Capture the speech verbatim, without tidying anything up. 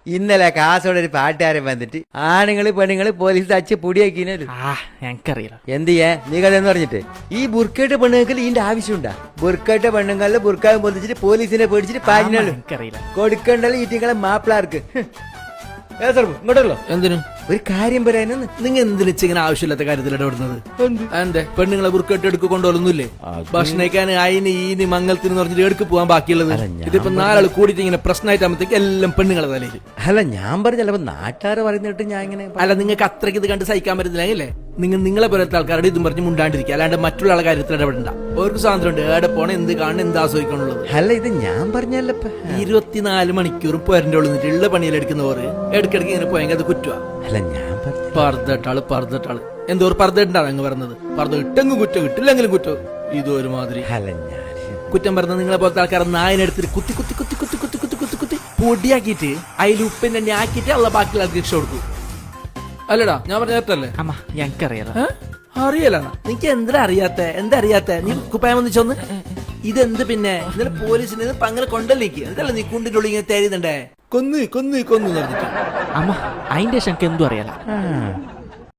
ഇന്നലെ കാസോടെ ഒരു പാട്ടുകാരൻ വന്നിട്ട് ആണുങ്ങള് പെണ്ണുങ്ങള് പോലീസ് തച്ച് പൊടിയാക്കിനു. ഞങ്ങക്കറിയില്ല എന്ത് ചെയ്യാ നീ കഥയെന്ന് പറഞ്ഞിട്ട് ഈ ബുർക്കയുടെ പെണ്ണുങ്ങൾക്ക് ഇതിന്റെ ആവശ്യമുണ്ടാ? ബുർക്കയുടെ പെണ്ണുങ്ങളില് ബുർക്കാവും പൊതിച്ചിട്ട് പോലീസിനെ പേടിച്ചിട്ട് പാഞ്ഞാലും കൊടുക്കണ്ടല്ലോ ഈറ്റിങ്ങളെ മാപ്പിളാർക്ക്. ഇങ്ങോട്ടല്ലോ എന്തിനു ഒരു കാര്യം പറയാനൊന്ന്. നിങ്ങൾ എന്തിനു ഇങ്ങനെ ആവശ്യമില്ലാത്ത കാര്യത്തിൽ ഇടപെടുന്നത്? എന്റെ പെണ്ണുങ്ങളെ ബുർക്കെട്ട് എടുക്ക് കൊണ്ടുപോലൊന്നുമില്ലേ? ഭക്ഷണം കഴിക്കാൻ അയിന് ഈന് മംഗലത്തിന് പറഞ്ഞിട്ട് എടുക്ക് പോകാൻ ബാക്കിയുള്ളത്. ഇതിപ്പോ നാലാൾ കൂടിയിട്ട് ഇങ്ങനെ പ്രശ്നമായിട്ടാകുമ്പോഴത്തേക്ക് എല്ലാം പെണ്ണുങ്ങളെ തലയിൽ. അല്ല ഞാൻ പറഞ്ഞല്ലോ നാട്ടുകാർ പറയുന്നിട്ട് ഞാൻ ഇങ്ങനെ. അല്ല നിങ്ങൾക്ക് അത്രയ്ക്ക് ഇത് കണ്ട് സഹിക്കാൻ പറ്റുന്നില്ലേ? നിങ്ങൾ നിങ്ങളെ പോലത്തെ ആൾക്കാരുടെ ഇതും പറഞ്ഞ് മുണ്ടാണ്ടിരിക്കുക, അല്ലാണ്ട് മറ്റുള്ള ആളുടെ കാര്യത്തിൽ ഇടപെടണ്ട. അവർക്ക് സ്വാതന്ത്ര്യം ഉണ്ട്, എവിടെ പോണ എന്ത് കാണണം എന്ത് ആസ്വദിക്കണുള്ളത്. അല്ല ഇത് ഞാൻ പറഞ്ഞല്ലോ ഇരുപത്തിനാല് മണിക്കൂറും പോരന്റെ ഉള്ളിൽ ഉള്ള പണിയിലെടുക്കുന്നവർ ഇടയ്ക്കിടയ്ക്ക് ഇങ്ങനെ പോയെങ്കിൽ അത് കുറ്റുവാ. അല്ല ഞാൻ പറന്നിട്ടാള് പറന്നിട്ടാള് എന്തോ ഒരു പറന്നിട്ടാണ് അങ്ങ് പറഞ്ഞത്. പറന്ന് ഇട്ടെങ്കിലും കുറ്റം കിട്ടില്ലെങ്കിലും കുറ്റം. ഇതൊരുമാതിരി കുറ്റം പറഞ്ഞ നിങ്ങളെ പോലത്തെ ആൾക്കാർ നായനെടുത്തിട്ട് കുത്തി കുത്തി കുത്തി കുത്തി കുത്തി കുത്തി കുത്തി കുത്തി പൊടിയാക്കിയിട്ട് അതിൽ ഉപ്പിന്റെ എണ്ണ ആക്കിയിട്ട് ഉള്ള ബാക്കിയുള്ള ആൾക്ക് രക്ഷ കൊടുക്കും. അല്ലടാ ഞാൻ പറഞ്ഞ കേട്ടല്ലേ? ഞങ്ങൾക്കറിയാലോ. അറിയല നിനക്ക് എന്താ അറിയാത്ത എന്താ അറിയാത്ത നീ കുപ്പായം വന്നിച്ചോന്ന് ഇതെന്ത് പിന്നെ ഇന്നലെ പോലീസിന് അങ്ങനെ കൊണ്ടല്ലേക്ക് എന്തല്ല നീ കുണ്ടിന്റെ ഉള്ളിൽ ഇങ്ങനെ തരുന്നുണ്ടേ കൊന്ന് കൊന്ന് കൊന്ന് പറഞ്ഞിട്ട് അമ്മ അതിന്റെ ശങ്ക എന്തും അറിയാലോ.